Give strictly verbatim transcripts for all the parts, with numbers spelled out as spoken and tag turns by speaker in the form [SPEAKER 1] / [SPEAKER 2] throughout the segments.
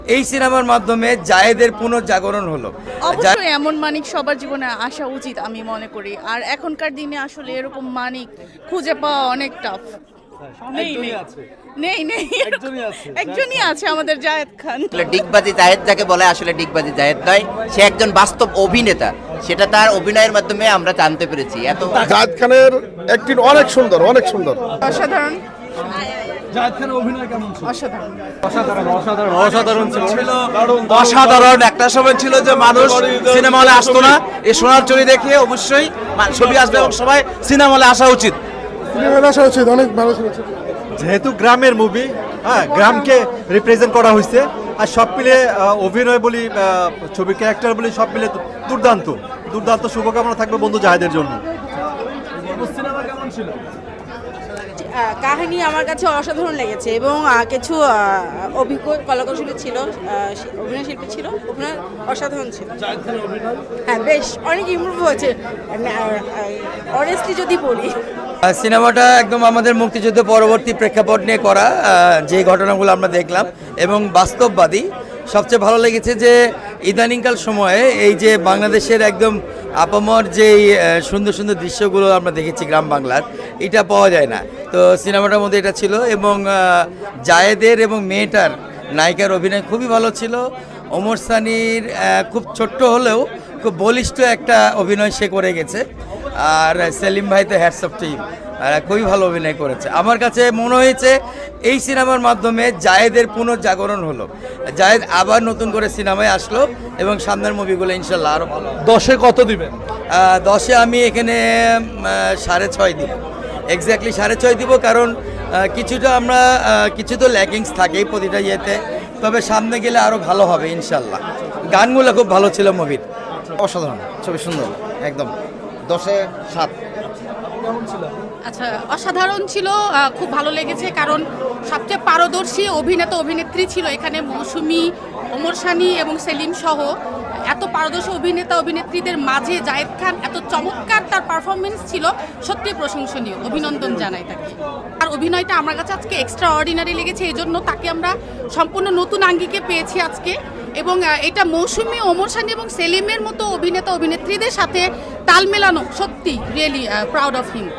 [SPEAKER 1] এই সিনেমার মাধ্যমে জায়েদের পুনর্জাগরণ হলো।
[SPEAKER 2] অবশ্যই এমন মানিক সবার জীবনে আসা উচিত আমি মনে করি। আর এখনকার দিনে আসলে এরকম মানিক খুঁজে পাওয়া অনেক টাফ। নেই নেই নেই নেই একজনই আছে আমাদের জায়েদ খান।
[SPEAKER 3] ডিগবাজি জায়েদ যাকে বলে আসলে ডিগবাজি জায়েদ নয়, সে একজন বাস্তব অভিনেতা, সেটা তার অভিনয়ের মাধ্যমে আমরা জানতে পেরেছি। এত
[SPEAKER 4] জায়েদ খানের অ্যাক্টিং অনেক সুন্দর, অনেক সুন্দর,
[SPEAKER 2] অসাধারণ।
[SPEAKER 5] জায়েদ খানের অভিনয় কেমন ছিল?
[SPEAKER 2] অসাধারণ
[SPEAKER 5] অসাধারণ অসাধারণ অসাধারণ ছিল।
[SPEAKER 6] অসাধারণ। একটা সময় ছিল যে মানুষ সিনেমা হলে আসতো না, এই সোনার চুরি দেখে অবশ্যই ছবি আসবে এবং সবাই সিনেমা হলে আসা উচিত।
[SPEAKER 4] সিনেমায় আসা উচিত, অনেক ভালো ছিল।
[SPEAKER 5] যেহেতু গ্রামের মুভি, হ্যাঁ, গ্রামকে রিপ্রেজেন্ট করা হয়েছে, আর সব মিলে অভিনয় বলি, ছবি ক্যারেক্টার বলি, সব মিলে দুর্দান্ত দুর্দান্ত। শুভকামনা থাকবে বন্ধু জাহেদের জন্য।
[SPEAKER 6] সিনেমা কেমন ছিল?
[SPEAKER 7] কাহিনী আমার কাছে অসাধারণ লেগেছে এবং কিছু অভিজ্ঞ কলাকৌশলী ছিল, অভিনয় শিল্পী ছিল, অভিনয় অসাধারণ ছিল। হ্যাঁ, বেশ অনেক ইমপ্রুভ হয়েছে অনেস্টলি যদি বলি।
[SPEAKER 1] সিনেমাটা একদম আমাদের মুক্তিযুদ্ধ পরবর্তী প্রেক্ষাপট নিয়ে করা, যে ঘটনাগুলো আমরা দেখলাম এবং বাস্তববাদী। সবচেয়ে ভালো লেগেছে যে ইদানিংকাল সময়ে এই যে বাংলাদেশের একদম আপামর যেই সুন্দর সুন্দর দৃশ্যগুলো আমরা দেখেছি গ্রাম বাংলার, এটা পাওয়া যায় না। তো সিনেমাটার মধ্যে এটা ছিল এবং জায়েদের এবং মেয়েটার নায়িকার অভিনয় খুবই ভালো ছিল। ওমর সানির খুব ছোট্ট হলেও খুব বলিষ্ঠ একটা অভিনয় সে করে গেছে। আর সেলিম ভাই তো হ্যাটস অফ টিম, খুবই ভালো অভিনয় করেছে। আমার কাছে মনে হয়েছে এই সিনেমার মাধ্যমে জায়েদের পুনর্জাগরণ হলো। জায়েদ আবার নতুন করে সিনেমায় আসলো এবং সামনের মুভিগুলো ইনশাল্লাহ আরও ভালো।
[SPEAKER 5] দশে কত দিবেন?
[SPEAKER 1] দশে আমি এখানে সাড়ে ছয় দিব, এক্স্যাক্টলি সাড়ে ছয় দিব। কারণ কিছুটা আমরা কিছু তো ল্যাকিংস থাকেই প্রতিটা ইয়েতে, তবে সামনে গেলে আরও ভালো হবে ইনশাল্লাহ। গানগুলো খুব ভালো ছিল মুভির।
[SPEAKER 3] অসাধারণ, ছবি সুন্দর, একদম দশে সাত।
[SPEAKER 2] আচ্ছা, অসাধারণ ছিল, খুব ভালো লেগেছে। কারণ সবচেয়ে পারদর্শী অভিনেতা অভিনেত্রী ছিল এখানে মৌসুমী, ওমর সানি এবং সেলিম সহ এত পারদর্শী অভিনেতা অভিনেত্রীদের মাঝে জায়েদ খান এত চমৎকার তার পারফরমেন্স ছিল, সত্যি প্রশংসনীয়। অভিনন্দন জানাই তাকে। আর অভিনয়টা আমার কাছে আজকে এক্সট্রা অর্ডিনারি লেগেছে, এই জন্য তাকে আমরা সম্পূর্ণ নতুন আঙ্গিকে পেয়েছি আজকে। এবং এটা মৌসুমী, ওমর সানি এবং সেলিমের মতো অভিনেতা অভিনেত্রীদের সাথে তাল মেলানো, সত্যি রিয়েলি প্রাউড অফ হিম।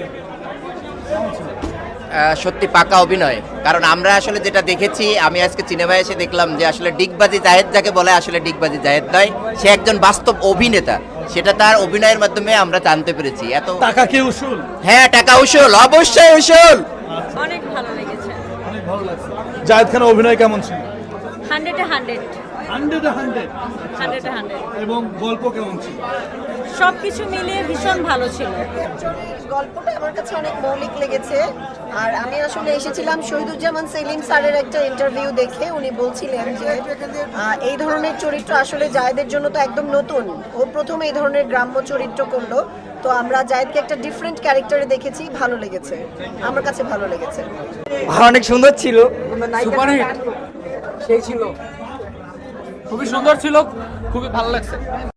[SPEAKER 3] সত্যি পাকা অভিনয়। কারণ আমরা আসলে যেটা দেখেছি, আমি আজকে সিনেমায় এসে দেখলাম যে আসলে ডিগবাজি জায়েদ যাকে বলে আসলে ডিগবাজি জায়েদ নয়, সে একজন বাস্তব অভিনেতা, সেটা তার অভিনয়ের মাধ্যমে আমরা জানতে পেরেছি। এত
[SPEAKER 5] টাকা কি উসুল?
[SPEAKER 3] হ্যাঁ, টাকা উসুল, অবশ্যই উসুল।
[SPEAKER 7] অনেক ভালো লেগেছে।
[SPEAKER 5] অনেক ভালো লাগছে। জায়েদ খানের অভিনয় কেমন ছিল?
[SPEAKER 7] হান্ড্রেডে হান্ড্রেড
[SPEAKER 5] হান্ড্রেডে হান্ড্রেড।
[SPEAKER 7] হান্ড্রেডে হান্ড্রেড
[SPEAKER 5] এবং গল্প কেমন ছিল?
[SPEAKER 7] সব কিছু মিলিয়ে ভীষণ ভালো ছিল।
[SPEAKER 8] গল্পটা আমার কাছে অনেক মৌলিক লেগেছে। আর আমি আসলে এসেছিলাম শহীদুজ্জামান সেলিম স্যারের একটা ইন্টারভিউ দেখে। উনি বলছিলেন যে এই ধরনের চরিত্র আসলে জায়েদের জন্য তো একদম নতুন, ও প্রথম এই ধরনের গ্রাম্য চরিত্র করলো। তো আমরা জায়েদকে একটা ডিফারেন্ট ক্যারেক্টারে দেখেছি, ভালো লেগেছে, আমার কাছে ভালো লেগেছে।
[SPEAKER 1] অনেক সুন্দর ছিল,
[SPEAKER 9] সুপারহিট সেই ছিল, খুবই সুন্দর ছিল, খুবই ভালো লাগছে।